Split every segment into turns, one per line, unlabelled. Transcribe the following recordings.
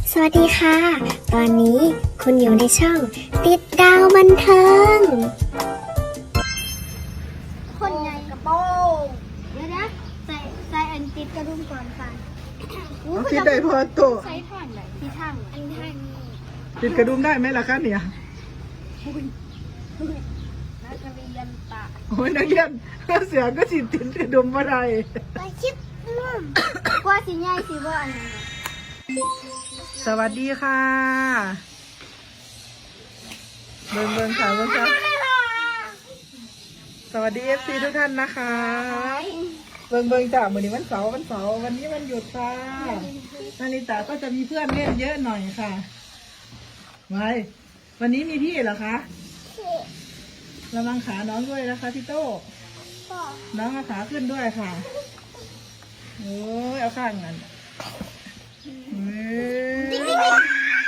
สวัสดีค่ะ ตอนนี้คุณอยู่ในช่องติดดาวบันเทิง
คนใหญ่กระโปรงเดี๋ยวนะใส่อันติดกระดุมก่อนค่ะ
เอาคิดได้พอโต
ใส่ทางไหนที่ทางอันทางนี้
ติดกระดุมได้ไหมล่ะคะเนี่ย
นักเรียนตะ
โอ้ยนักเรียนเสือก็สิติดกระดุมอะไร
ไปชิปนุ่มกว่าสิใหญ่สิว่าอันนั้น
สวัสดีค่ะเบิ่งค่ะเบิ่งค่ะสวัสดีFC ทุกท่านนะคะเบิ่งจ้ะวันนี้วันเสาร์วันนี้วันหยุดค่ะนาริตาก็จะมีเพื่อนเล่นเยอะหน่อยค่ะไว้วันนี้มีพี่เหรอคะระวังขาน้องด้วยนะคะพี่โต้น้องเอาขาขึ้นด้วยค่ะโอ้ยเอาข้างนั้น
ติ๊กกล้า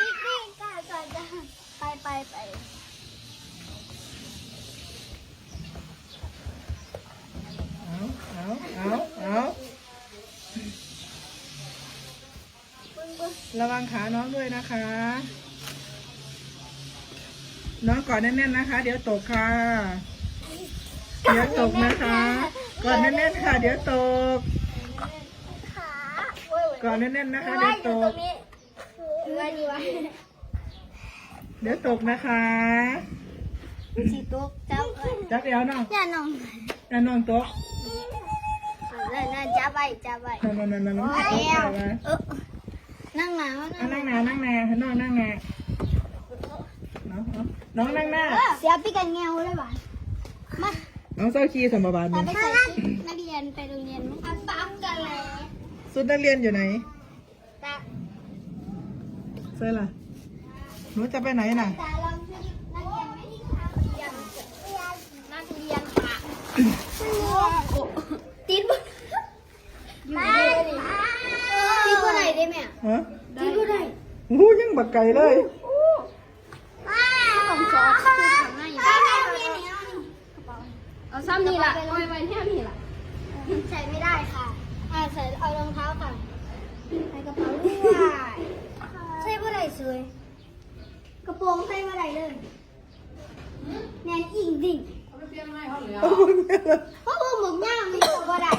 ไป
เอาระวังขาน้องด้วยนะคะ น้องกอดแน่นๆนะคะ เดี๋ยวตกค่ะ เดี๋ยวตกนะคะกอดแน่นๆค่ะ เดี๋ยวตกกอดแน่นๆนะคะ เดี๋ยวตก เดี๋ยวตกนะคะ
สีตุ๊กเจ้าเอ้ย
จับเอวน้อง
อย่าน้อง
น้องตก
นั่นจับไว้
นั่น
โอ้ยเอวนั่งหนาว
นั่งนาน้องนั่งนาน้องนั่งหน้า
เสียพี่กันเงาเลยว่ะมา
น้องเศร้าขี้สมบัติ
ไป
นี่
ใส่นักเรียนไปโรงเรียนมั้งปั๊มกันเลย
สุดนักเรียนอยู่ไหน
ตา
เซ่ล่ะหนูจะไปไหนน่ะ
ตาลองช่วยนักเรียนไหมนักเรียนค่ะติดบ่ติดบ่ไหนได้ไหม
ฮะ
ติดบ่ไหน
ยังบักไก่เลย
ของซอสคือทำง่ายอยู่เอาซ้ำนี่ล่ะไว้แค่นี้ล่ะใส่ไม่ได้ค่ะใส่เอารองเท้าค่ะใส่กระเป๋าด้วยใส่บ่ได้สวยกระโปรงใส่บ่ได้เลยแน่นอิงดิ่งเพราะว่าหมึกย่างนี่บ่ได้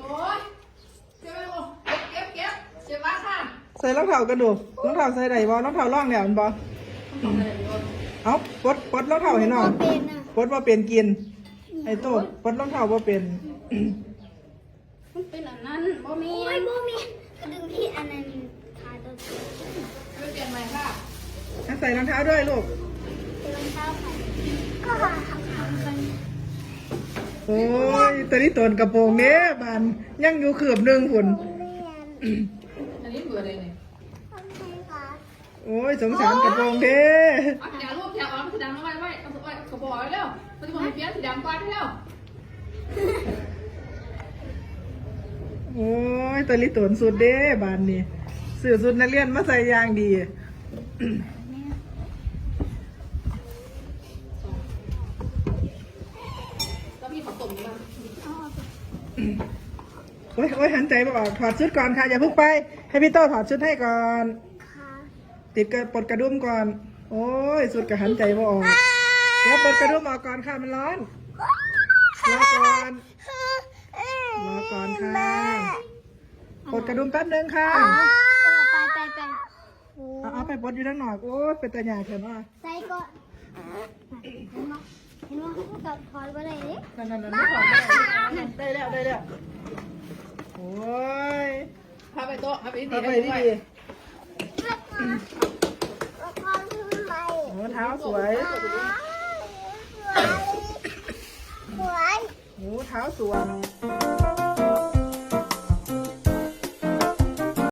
ใส่รองเท้ากระดูกรองเท้าใส่ไหนบอรองเท้าร่องเนี่ยมันบอเอาปดรองเท้าให้น้อง
เป็นน่ะ
ปดว่าเป็นกิน ไอ้โต้ปดรองเท้าว่าเป็น
มันเป็นอันนั้นบ่มีบ่มีกระดึงที่อันนั้นขาตัวเปลี่ยนใหม่ค่ะ
ใส่รองเท้าด้วยลูก
รองเท้าค่ะก็ทำกัน
โอ้ยตอนนี้ตนกระโปรงเนี้ยบานยังอยู่ขืบหนึ่งฝุ่น
อันนี้เบื่อเลยเนี่ย
โอ้ยสงสารกระโปรงเด้
เอาแถวรูปแถวอ๋อสีดำแล้วไว้เอากระบอกไว้เร็วมันจะบอกให้เปียสีดำก่อนเร็ว
โอ้ยตอนนี้ตนสุดเด้บานนี่เสื้อสุดนักเรียนมาใส่ยางดี
แล้วพี่ขอตุ่มดีมั้ย
โอ้ยหันใจมาออกถอดชุดก่อนค่ะอย่าเพิ่งไป ให้พี่โต้ถอดชุดให้ก่อน ติดปลดกระดุมก่อน โอ้ยสุดกับหันใจมาออกเดี๋ยวปลดกระดุมออกก่อนค่ะมันร้อนรอก่อนค่ะปลดกระดุมแป๊บนึงค่ะ
ไป
เอาไปปลดอยู่ด้านนอกโอ้ยเป็นตาหยาเขียนว่า
ใส่ก่อนเห็นไหมกับถอดไปเลยดิ
นั่นไม่ถอดได้แล้วโอ้ย
พาไปโต๊ะพาไปที่
เอาไป
ดี
ดีโอ้เท้าสวยโอ้เท้าสวย